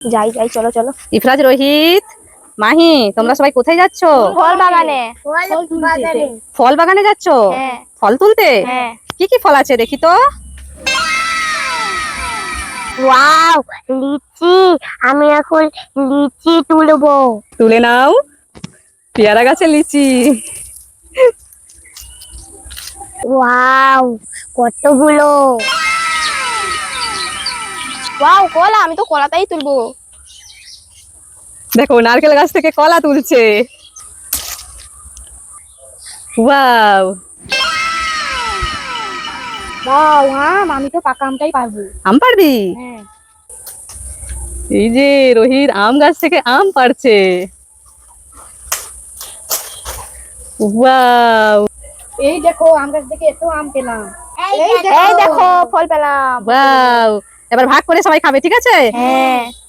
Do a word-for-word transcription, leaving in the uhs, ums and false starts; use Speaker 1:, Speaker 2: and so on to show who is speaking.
Speaker 1: যাই যাই চলো চলো।
Speaker 2: ইফরাজ, রোহিত, মাহি, তোমরা সবাই কোথায় যাচ্ছ?
Speaker 1: ফল বাগানে।
Speaker 2: ফল বাগানে যাচ্ছ?
Speaker 1: হ্যাঁ।
Speaker 2: ফল তুলতে?
Speaker 1: হ্যাঁ।
Speaker 2: কি কি ফল আছে দেখি তো?
Speaker 3: ওয়াও, লিচি। আমি এখন লিচি তুলবো।
Speaker 2: তুলে নাও, পেয়ারা গাছে লিচি।
Speaker 3: ওয়াও, কতগুলো।
Speaker 1: ওয়াও, কলা। আমি তো কলাটাই তুলবো।
Speaker 2: দেখো, নারকেল গাছ থেকে কলা তুলছে। ওয়াও।
Speaker 1: ওয়াও, আম। আমি তো পাকা আমটাই পারবো।
Speaker 2: আম পারবি?
Speaker 1: হ্যাঁ।
Speaker 2: এই যে রোহিত আম গাছ থেকে আম পাড়ছে। ওয়াও।
Speaker 1: এই দেখো, আম গাছ থেকে এত আম পেলাম। এই দেখো ফল পেলাম।
Speaker 2: ওয়াও, এবার ভাগ করে সবাই খাবে, ঠিক আছে?
Speaker 1: হ্যাঁ।